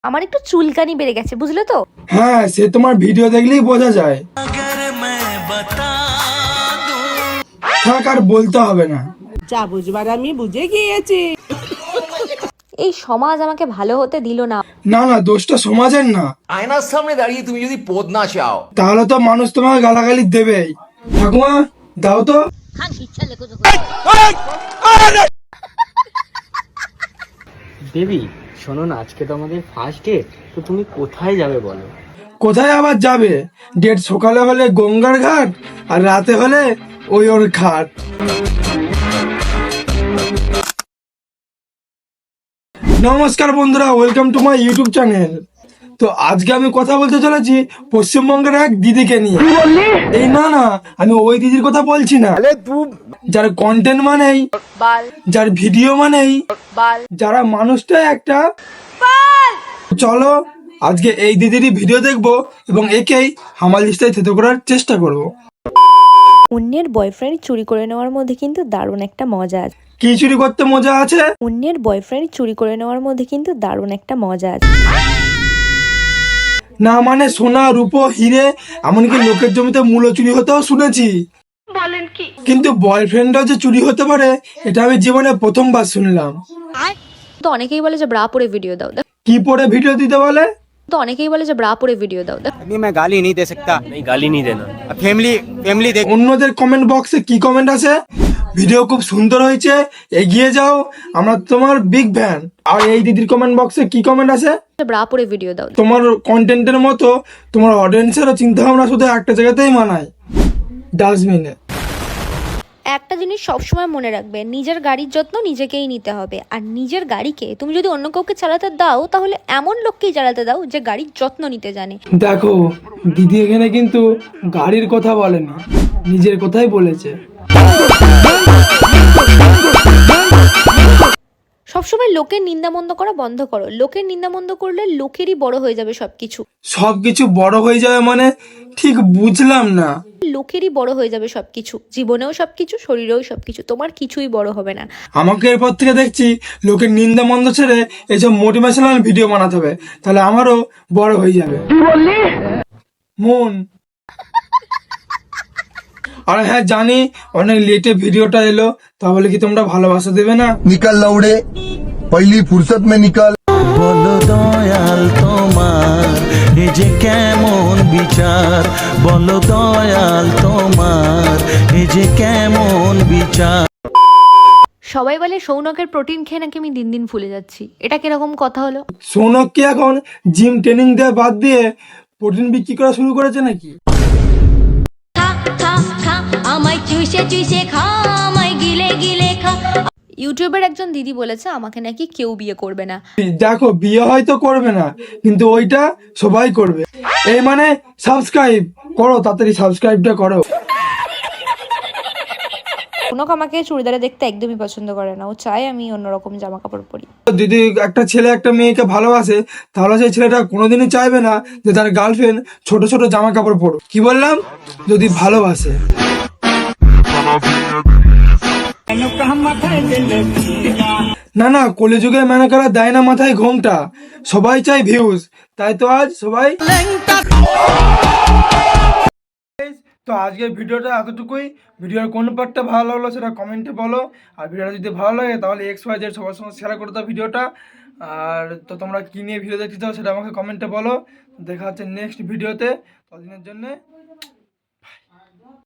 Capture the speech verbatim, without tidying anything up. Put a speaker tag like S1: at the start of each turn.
S1: আমার একটু চুলকানি বেড়ে গেছে, বুঝলে তো?
S2: হ্যাঁ, সে তোমার ভিডিও দেখলেই বোঝা যায়। থাক, আর বলতে হবে না।
S3: যা বুঝবার আমি বুঝে গিয়েছি।
S1: এই সমাজ আমাকে ভালো হতে দিল না।
S2: না না, দোষটা সমাজের না।
S4: আয়নার সামনে দাঁড়িয়ে তুমি যদি পদ না চাও,
S2: তাহলে তো মানুষ তোমাকে গালাগালি দেবেই। ঠাকুমা, দাও তো।
S5: দেবী, শোনো না, আজকে তো আমাদের ফার্স্ট ডেট, তো তুমি কোথায় যাবে বলো?
S2: কোথায় আবার যাবে? ডেট সকালে হলে গঙ্গার ঘাট, আর রাতে হলে ওই ওর ঘাট। নমস্কার বন্ধুরা, welcome to my YouTube channel. তো আজকে আমি কথা বলতে চলেছি পশ্চিমবঙ্গের এক দিদিকে নিয়ে। এই না না, আমি ওই দিদির কথা বলছি না, যার কন্টেন্ট মানেই যার ভিডিও মানেই যারা মানুষটা একটা। চলো আজকে এই দিদিরই ভিডিও দেখবো এবং একেই হামাল দিস্তায় থেতো করার চেষ্টা করব।
S1: অন্যের বয়ফ্রেন্ড চুরি করে নেওয়ার মধ্যে কিন্তু দারুণ একটা মজা আছে।
S2: কি চুরি করতে মজা আছে?
S1: অন্যের বয়ফ্রেন্ড চুরি করে নেওয়ার মধ্যে কিন্তু দারুণ একটা মজা আছে।
S2: না মানে সোনা রূপো হিরে, এমনকি লোকের জমিতে মূল্য চুরি হতেও শুনেছি।
S1: বলেন কি?
S2: কিন্তু বয়ফ্রেন্ডও যে চুরি হতে পারে, এটা আমি জীবনে প্রথমবার শুনলাম।
S1: তো অনেকেই বলে যে ব্রা পরে ভিডিও দাও।
S2: কি পরে ভিডিও দিতে বলে?
S1: তো অনেকেই বলে যে ব্রা পরে ভিডিও দাও।
S6: अभी मैं गाली नहीं दे सकता।
S5: नहीं, गाली नहीं देना।
S6: फैमिली फैमिली देख।
S2: অন্যদের কমেন্ট বক্সে কি কমেন্ট আছে? ভিডিও খুব সুন্দর হয়েছে, এগিয়ে যাও, আমরা তোমার বিগ ফ্যান। আর এই দিদির কমেন্ট বক্সে কি কমেন্ট আছে?
S1: ব্রা পরে ভিডিও দাও।
S2: তোমার কন্টেন্টের মতো তোমার অডিয়েন্সেরও চিন্তা ভাবনা শুধু একটা জায়গাতেই মানায়, ডাস্টবিনে।
S1: একটা জিনিস সবসময় মনে রাখবে, নিজের গাড়ির যত্ন নিজেকেই নিতে হবে। আর নিজের গাড়িকে তুমি যদি অন্য কাউকে চালাতে দাও, তাহলে এমন লোককেই চালাতে দাও যে গাড়ির যত্ন নিতে জানে।
S2: দেখো, দিদি এখানে কিন্তু গাড়ির কথা বলেনি, নিজের কথাই বলেছে।
S1: সবসময় লোকের নিন্দামন্দ করা বন্ধ করো। লোকের নিন্দামন্দ করলে লোকেরই বড় হয়ে যাবে সবকিছু।
S2: সবকিছু বড় হয়ে যাবে মানে ঠিক বুঝলাম না।
S1: লোকেরই বড় হয়ে যাবে সবকিছু, জীবনেও সবকিছু, শরীরেও সবকিছু। তোমার কিছুই বড় হবে না।
S2: আমাকে এরপর থেকে দেখছি লোকের নিন্দা মন্দ ছেড়ে এইসব মোটিভেশনাল ভিডিও বানাতে হবে, তাহলে আমারও বড় হয়ে যাবে মন। আর হ্যাঁ জানি অনেক লেটে ভিডিওটা এলো, তাহলে কি তোমরা ভালোবাসা দেবে না?
S7: निकल लौड़े, पहली फुर्सत में निकल।
S8: বলো দয়াল তোমার এ যে কেমন বিচার, বলো দয়াল তোমার এ যে কেমন বিচার।
S1: সবাই বলে সৌনকের প্রোটিন খেয়ে নাকি আমি দিন দিন ফুলে যাচ্ছি। এটা কিরকম কথা হলো?
S2: সৌনক কি এখন জিম ট্রেনিং দেওয়া বাদ দিয়ে প্রোটিন বিক্রি করা শুরু করেছে নাকি?
S1: ইউটিউবের একজন দিদি বলেছে আমাকে নাকি কেউ বিয়ে করবে না।
S2: দেখো, বিয়ে হয়তো করবে না, কিন্তু ওইটা সবাই করবে। এই মানে সাবস্ক্রাইব করো, তাড়াতাড়ি সাবস্ক্রাইবটা করো।
S1: সৌনক আমাকে চুড়িদারে দেখতে একদমই পছন্দ করে না। ও চায় আমি অন্যরকম জামা কাপড় পরি।
S2: যদি একটা ছেলে একটা মেয়েকে ভালোবাসে, তাহলে সেই ছেলেটা কোনোদিনই চাইবে না যে তার গার্লফ্রেন্ড ছোট ছোট জামা কাপড় পরুক। কি বললাম? যদি ভালোবাসে। না না, কলিযুগে মেনে করা দেয় না মাথায় ঘোমটা। সবাই চাই ভিউজ, তাই তো আজ সবাই। তো আজকের ভিডিওটা এতটুকুই। ভিডিওর কোন পার্টটা ভালো লাগলো সেটা কমেন্টে বলো। আর ভিডিওটা যদি ভালো লাগে তাহলে এক্স ওয়াই জেড সবার সঙ্গে শেয়ার করে দাও ভিডিওটা। আর তো তোমরা কী নিয়ে ভিডিও দেখতে চাও সেটা আমাকে কমেন্টে বলো। দেখা হচ্ছে নেক্সট ভিডিওতে। ততদিনের জন্যে